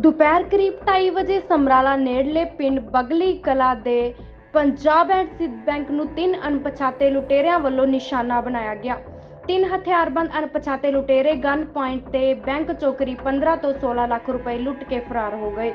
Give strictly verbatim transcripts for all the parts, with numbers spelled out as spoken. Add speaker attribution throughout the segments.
Speaker 1: ਦੁਪਹਿਰ ਕਰੀਬ ਢਾਈ ਵਜੇ ਸਮਰਾਲਾ ਨੇੜਲੇ ਪਿੰਡ ਬਗਲੀ ਕਲਾਂ ਦੇ ਪੰਜਾਬ ਐਂਡ ਸਿੰਧ ਬੈਂਕ ਨੂੰ ਤਿੰਨ ਅਣਪਛਾਤੇ ਲੁਟੇਰਿਆਂ ਵੱਲੋਂ ਨਿਸ਼ਾਨਾ ਬਣਾਇਆ ਗਿਆ। ਤਿੰਨ ਹਥਿਆਰਬੰਦ ਅਣਪਛਾਤੇ ਲੁਟੇਰੇ ਗਨ ਪੁਆਇੰਟ ਤੇ ਬੈਂਕ ਚੋਂ ਕਰੀਬ ਪੰਦਰਾਂ ਤੋਂ ਸੋਲਾਂ ਲੱਖ ਰੁਪਏ ਲੁੱਟ ਕੇ ਫਰਾਰ ਹੋ ਗਏ।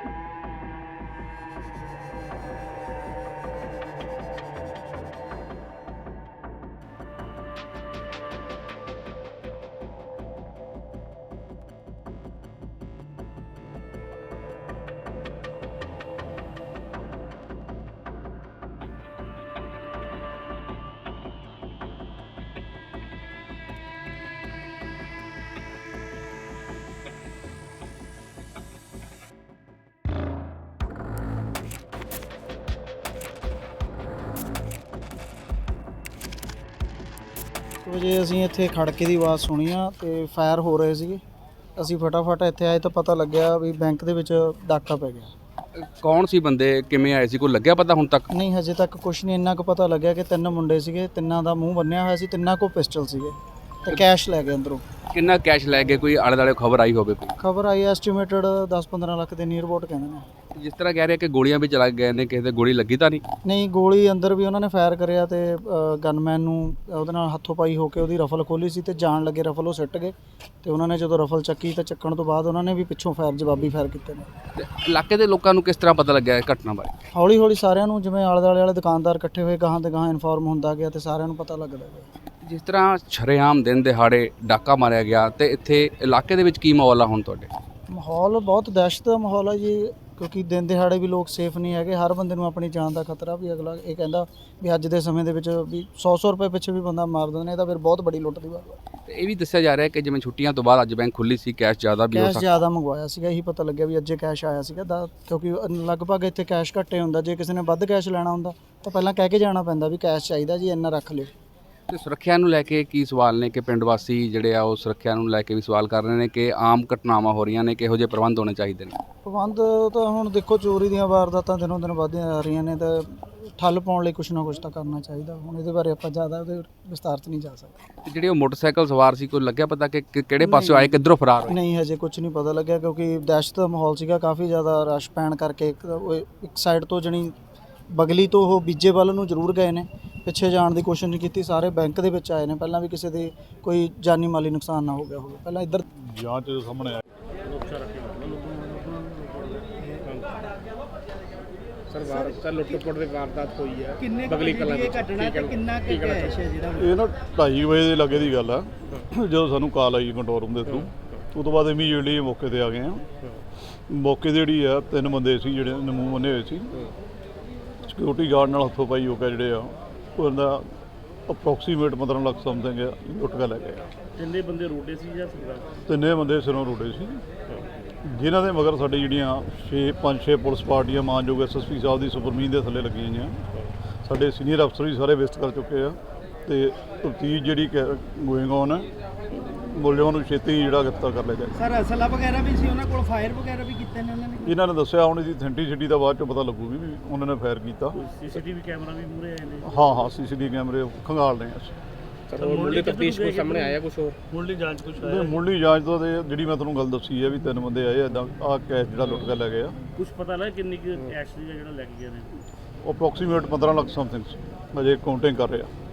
Speaker 2: ਵਜੇ ਅਸੀਂ ਇੱਥੇ ਖੜਕੇ ਦੀ ਆਵਾਜ਼ ਸੁਣੀ ਆ ਤੇ ਫਾਇਰ ਹੋ ਰਹੇ ਸੀਗੇ। ਅਸੀਂ ਫਟਾਫਟ ਇੱਥੇ ਆਏ ਤਾਂ ਪਤਾ ਲੱਗਿਆ ਵੀ ਬੈਂਕ ਦੇ ਵਿੱਚ ਡਾਕਾ ਪੈ ਗਿਆ।
Speaker 3: ਕੌਣ ਸੀ ਬੰਦੇ, ਕਿਵੇਂ ਆਏ ਸੀ, ਕੋਈ ਲੱਗਿਆ ਪਤਾ ਹੁਣ ਤੱਕ?
Speaker 2: ਨਹੀਂ, ਹਜੇ ਤੱਕ ਕੁਝ ਨਹੀਂ। ਇੰਨਾ ਕੁ ਪਤਾ ਲੱਗਿਆ ਕਿ ਤਿੰਨ ਮੁੰਡੇ ਸੀਗੇ, ਤਿੰਨਾਂ ਦਾ ਮੂੰਹ ਬੰਨਿਆ ਹੋਇਆ ਸੀ, ਤਿੰਨਾਂ ਕੋਲ ਪਿਸਟਲ ਸੀਗੇ ਤੇ ਕੈਸ਼ ਲੈ ਗਏ ਅੰਦਰੋਂ।
Speaker 3: ਕਿੰਨਾ ਕੈਸ਼ ਲੈ ਗਏ? ਕੋਈ ਆਲੇ ਦੁਆਲੇ ਖਬਰ ਆਈ ਹੋਵੇ? ਕੋਈ
Speaker 2: ਖਬਰ ਆਈ ਐਸਟੀਮੇਟਡ ਦਸ ਪੰਦਰਾਂ ਲੱਖ ਦੇ ਨੀਅਰ ਅਬਾਊਟ ਕਹਿੰਦੇ ਨੇ।
Speaker 3: ਜਿਸ ਤਰ੍ਹਾਂ ਕਹਿ ਰਹੇ ਕਿ ਗੋਲੀਆਂ ਵੀ ਚਲਾ ਗਏ ਨੇ, ਕਿਸੇ ਦੇ ਗੋਲੀ ਲੱਗੀ ਤਾਂ ਨਹੀਂ?
Speaker 2: ਨਹੀਂ, ਗੋਲੀ ਅੰਦਰ ਵੀ ਉਹਨਾਂ ਨੇ ਫਾਇਰ ਕਰਿਆ ਤੇ ਗਨਮੈਨ ਨੂੰ ਉਹਦੇ ਨਾਲ ਹੱਥੋਂ ਪਾਈ ਹੋ ਕੇ ਉਹਦੀ ਰਫਲ ਖੋਲੀ ਸੀ ਤੇ ਜਾਣ ਲੱਗੇ ਰਫਲ ਉਹ ਸਿੱਟ ਗਏ ਤੇ ਉਹਨਾਂ ਨੇ ਜਦੋਂ ਰਫਲ ਚੱਕੀ ਤਾਂ ਚੱਕਣ ਤੋਂ ਬਾਅਦ ਉਹਨਾਂ ਨੇ ਵੀ ਪਿੱਛੋਂ ਫਾਇਰ ਜਵਾਬੀ ਫਾਇਰ ਕੀਤੇ ਨੇ।
Speaker 3: ਤੇ ਇਲਾਕੇ ਦੇ ਲੋਕਾਂ ਨੂੰ ਕਿਸ ਤਰ੍ਹਾਂ ਪਤਾ ਲੱਗਿਆ ਇਸ ਘਟਨਾ ਬਾਰੇ?
Speaker 2: ਹੌਲੀ ਹੌਲੀ ਸਾਰਿਆਂ ਨੂੰ, ਜਿਵੇਂ ਆਲੇ ਦੁਆਲੇ ਵਾਲੇ ਦੁਕਾਨਦਾਰ ਇਕੱਠੇ ਹੋਏ, ਗਾਹਾਂ ਤੇ ਗਾਹਾਂ ਇਨਫੋਰਮ ਹੁੰਦਾ ਗਿਆ ਤੇ ਸਾਰਿਆਂ ਨੂੰ ਪਤਾ ਲੱਗਦਾ ਗਿਆ।
Speaker 3: ਜਿਸ ਤਰ੍ਹਾਂ ਸ਼ਰੇਆਮ ਦਿਨ ਦਿਹਾੜੇ ਡਾਕਾ ਮਾਰਿਆ ਗਿਆ ਤੇ ਇੱਥੇ ਇਲਾਕੇ ਦੇ ਵਿੱਚ ਕੀ ਮਾਹੌਲ ਆ ਹੁਣ ਤੁਹਾਡੇ?
Speaker 2: ਮਾਹੌਲ ਬਹੁਤ ਦਹਿਸ਼ਤ ਦਾ ਮਾਹੌਲ ਹੈ ਜੀ, ਕਿਉਂਕਿ ਦਿਨ ਦਿਹਾੜੇ ਵੀ ਲੋਕ ਸੇਫ ਨਹੀਂ ਹੈਗੇ। ਹਰ ਬੰਦੇ ਨੂੰ ਆਪਣੀ ਜਾਨ ਦਾ ਖਤਰਾ ਵੀ। ਅਗਲਾ ਇਹ ਕਹਿੰਦਾ ਵੀ ਅੱਜ ਦੇ ਸਮੇਂ ਦੇ ਵਿੱਚ ਵੀ ਸੌ ਸੌ ਰੁਪਏ ਪਿੱਛੇ ਵੀ ਬੰਦਾ ਮਾਰ ਦਿੰਦੇ ਨੇ, ਇਹ ਤਾਂ ਫਿਰ ਬਹੁਤ ਬੜੀ ਲੁੱਟ ਦੀ ਗੱਲ ਹੈ।
Speaker 3: ਤੇ ਇਹ ਵੀ ਦੱਸਿਆ ਜਾ ਰਿਹਾ ਕਿ ਜਿਵੇਂ ਛੁੱਟੀਆਂ ਤੋਂ ਬਾਅਦ ਅੱਜ ਬੈਂਕ ਖੁੱਲੀ ਸੀ, ਕੈਸ਼ ਜ਼ਿਆਦਾ ਵੀ ਹੋ
Speaker 2: ਕੈਸ਼
Speaker 3: ਸਕਦਾ।
Speaker 2: ਜ਼ਿਆਦਾ ਮੰਗਵਾਇਆ ਸੀਗਾ, ਇਹੀ ਪਤਾ ਲੱਗਿਆ ਵੀ ਅੱਜੇ ਕੈਸ਼ ਆਇਆ ਸੀਗਾ ਦਾ, ਕਿਉਂਕਿ ਲਗਭਗ ਇੱਥੇ ਕੈਸ਼ ਘੱਟੇ ਹੁੰਦਾ। ਜੇ ਕਿਸੇ ਨੇ ਵੱਧ ਕੈਸ਼ ਲੈਣਾ ਹੁੰਦਾ ਤਾਂ ਪਹਿਲਾਂ ਕਹਿ ਕੇ ਜਾਣਾ ਪੈਂਦਾ ਵੀ ਕੈਸ਼ ਚਾਹੀਦਾ ਜੀ, ਇੰਨਾ ਰੱਖ ਲਿਓ।
Speaker 3: ਤੇ ਸੁਰੱਖਿਆ ਨੂੰ ਲੈ ਕੇ ਕੀ ਸਵਾਲ ਨੇ ਕਿ ਪਿੰਡ ਵਾਸੀ ਜਿਹੜੇ ਆ ਉਹ ਸੁਰੱਖਿਆ ਨੂੰ ਲੈ ਕੇ ਵੀ ਸਵਾਲ ਕਰ ਰਹੇ ਨੇ ਕਿ ਆਮ ਘਟਨਾਵਾਂ ਹੋ ਰਹੀਆਂ ਨੇ, ਕਿਹੋ ਜਿਹੇ ਪ੍ਰਬੰਧ ਹੋਣੇ ਚਾਹੀਦੇ ਨੇ?
Speaker 2: ਪ੍ਰਬੰਧ ਤਾਂ ਹੁਣ ਦੇਖੋ, ਚੋਰੀ ਦੀਆਂ ਵਾਰਦਾਤਾਂ ਦਿਨੋਂ ਦਿਨ ਵੱਧਦੀਆਂ ਜਾ ਰਹੀਆਂ ਨੇ ਤਾਂ ਠੱਲ ਪਾਉਣ ਲਈ ਕੁਛ ਨਾ ਕੁਛ ਤਾਂ ਕਰਨਾ ਚਾਹੀਦਾ। ਹੁਣ ਇਹਦੇ ਬਾਰੇ ਆਪਾਂ ਜ਼ਿਆਦਾ ਉਹਦੇ ਵਿਸਤਾਰ 'ਚ ਨਹੀਂ ਜਾ ਸਕਦੇ।
Speaker 3: ਤੇ ਜਿਹੜੇ ਉਹ ਮੋਟਰਸਾਈਕਲ ਸਵਾਰ ਸੀ, ਕੋਈ ਲੱਗਿਆ ਪਤਾ ਕਿ ਕਿ- ਕਿਹੜੇ ਪਾਸਿਓਂ ਆਏ, ਕਿੱਧਰੋਂ ਫਰਾਰ ਹੋਏ?
Speaker 2: ਨਹੀਂ, ਹਜੇ ਕੁਝ ਨਹੀਂ ਪਤਾ ਲੱਗਿਆ ਕਿਉਂਕਿ ਦਹਿਸ਼ਤ ਦਾ ਮਾਹੌਲ ਸੀਗਾ, ਕਾਫੀ ਜ਼ਿਆਦਾ ਰਸ਼ ਪੈਣ ਕਰਕੇ। ਇੱਕ ਉਹ ਇੱਕ ਸਾਈਡ ਤੋਂ ਜਣੀ ਬਗਲੀ ਤੋਂ ਉਹ ਬੀਜੇ ਵੱਲ ਨੂੰ ਜ਼ਰੂਰ ਗਏ ਨੇ, ਪਿੱਛੇ ਜਾਣ ਦੀ ਕੋਸ਼ਿਸ਼ ਨਹੀਂ ਕੀਤੀ। ਸਾਰੇ ਬੈਂਕ ਦੇ ਵਿੱਚ ਆਏ ਨੇ, ਪਹਿਲਾਂ ਵੀ ਕਿਸੇ ਦੇ ਕੋਈ ਜਾਨੀ ਮਾਲੀ ਨੁਕਸਾਨ ਨਾ ਹੋ ਗਿਆ ਹੋਵੇ। ਪਹਿਲਾਂ ਇੱਧਰ
Speaker 4: ਜਾਂਚ ਦੇ ਸਾਹਮਣੇ ਆਇਆ
Speaker 5: ਸਰ ਵਾਰਦਾਤ ਲੁੱਟ-ਖੋਟ ਦੀ ਵਾਰਦਾਤ ਹੋਈ ਹੈ
Speaker 6: ਕਿੰਨੇ
Speaker 5: ਬਗਲੀ ਕਲਾਂ
Speaker 6: ਦੀ ਘਟਨਾ ਤੇ ਕਿੰਨਾ ਕੁ ਕੈਸ਼ ਹੈ ਜਿਹੜਾ
Speaker 4: ਇਹ ਨਾ ਢਾਈ ਵਜੇ ਦੇ ਲੱਗੇ ਦੀ ਗੱਲ ਆ। ਜਦੋਂ ਸਾਨੂੰ ਕਾਲ ਆਈ ਕੰਟਰੋਲ ਰੂਮ ਦੇ ਥਰੂ, ਉਹ ਤੋਂ ਬਾਅਦ ਇਮੀਡੀਏਟਲੀ ਮੌਕੇ ਤੇ ਆ ਗਏ ਆ। ਮੌਕੇ ਤੇ ਜਿਹੜੀ ਆ ਤਿੰਨ ਬੰਦੇ ਸੀ ਜਿਹੜੇ ਮੂੰਹ ਬੰਨੇ ਹੋਏ ਸੀ, ਸਿਕਿਉਰਿਟੀ ਗਾਰਡ ਨਾਲ ਹੱਥੋਂ ਪਾਈ ਹੋ ਕੇ ਜਿਹੜੇ ਆ ਉਹਦਾ ਅਪਰੋਕਸੀਮੇਟ ਪੰਦਰਾਂ ਲੱਖ ਸਮਥਿੰਗ ਲੁੱਟ ਕੇ ਲੈ ਗਏ ਆ।
Speaker 5: ਕਿੰਨੇ ਬੰਦੇ ਰੋਡੇ ਸੀ ਜਾਂ ਸਰਦਾਰ?
Speaker 4: ਤਿੰਨੇ ਬੰਦੇ ਸਿਰੋਂ ਰੋੜੇ ਸੀ, ਜਿਨ੍ਹਾਂ ਦੇ ਮਗਰ ਸਾਡੀ ਜਿਹੜੀਆਂ ਛੇ ਪੰਜ ਛੇ ਪੁਲਿਸ ਪਾਰਟੀਆਂ ਮਾਨਯੋਗ ਐਸ ਐਸ ਪੀ ਸਾਹਿਬ ਦੀ ਸੁਪਰਮੀਨ ਦੇ ਥੱਲੇ ਲੱਗੀਆਂ ਹੋਈਆਂ। ਸਾਡੇ ਸੀਨੀਅਰ ਅਫਸਰ ਵੀ ਸਾਰੇ ਵਿਜ਼ਿਟ ਕਰ ਚੁੱਕੇ ਆ ਤੇ ਤਫਤੀਸ਼ ਜਿਹੜੀ ਗੋਇੰਗ ਔਨ ਹੈ, ਮੁਲਜ਼ਮਾਂ ਨੂੰ ਛੇਤੀ ਜਿਹੜਾ ਗ੍ਰਿਫਤਾਰ ਕਰ ਲਿਆ ਜਾਏ।
Speaker 6: ਸਰ ਅਸਲਾ ਵਗੈਰਾ ਵੀ ਸੀ ਉਹਨਾਂ ਕੋਲ, ਫਾਇਰ ਵਗੈਰਾ ਵੀ ਕੀਤੇ ਨੇ ਉਹਨਾਂ ਨੇ?
Speaker 4: ਇਹਨਾਂ ਨੇ ਦੱਸਿਆ, ਹੁਣ ਇਹਦੀ ਅਥੈਂਟਿਸਿਟੀ ਦਾ ਬਾਅਦ ਚੋਂ ਪਤਾ ਲੱਗੂਗੀ ਵੀ ਉਹਨਾਂ ਨੇ ਫਾਇਰ ਕੀਤਾ।
Speaker 5: ਸੀਸੀਟੀਵੀ ਕੈਮਰਾ ਵੀ ਮੂਹਰੇ ਆਏ ਨੇ?
Speaker 4: ਹਾਂ ਹਾਂ ਸੀਸੀਟੀਵੀ ਕੈਮਰੇ ਖੰਗਾਲ ਰਹੇ ਅਸੀਂ।
Speaker 5: ਸਰ ਮੁੱਢਲੀ ਤਫਤੀਸ਼ ਕੋਈ ਸਾਹਮਣੇ ਆਇਆ ਕੁਝ ਹੋਰ? ਮੁੱਢਲੀ ਜਾਂਚ ਕੁਝ
Speaker 4: ਤੇ ਮੁੱਢਲੀ ਜਾਂਚ ਤੋਂ ਤੇ ਜਿਹੜੀ ਮੈਂ ਤੁਹਾਨੂੰ ਗੱਲ ਦੱਸੀ ਹੈ ਵੀ ਤਿੰਨ ਬੰਦੇ ਆਏ ਇੱਦਾਂ ਆਹ ਕੈਸ਼ ਜਿਹੜਾ ਲੁੱਟ ਕੇ ਲੈ ਗਏ ਆ।
Speaker 5: ਕੁਝ ਪਤਾ ਲੱਗਾ ਕਿੰਨੀ ਕੁ ਕੈਸ਼ ਦੀ ਜਿਹੜਾ ਲੈ ਕੇ ਗਏ ਨੇ?
Speaker 4: ਉਹ ਅਪਰੋਕਸੀਮੇਟ ਪੰਦਰਾਂ ਲੱਖ ਸਮਥਿੰਗ ਅਜੇ ਕਾਊਂਟਿੰਗ ਕਰ ਰਹੇ ਆ।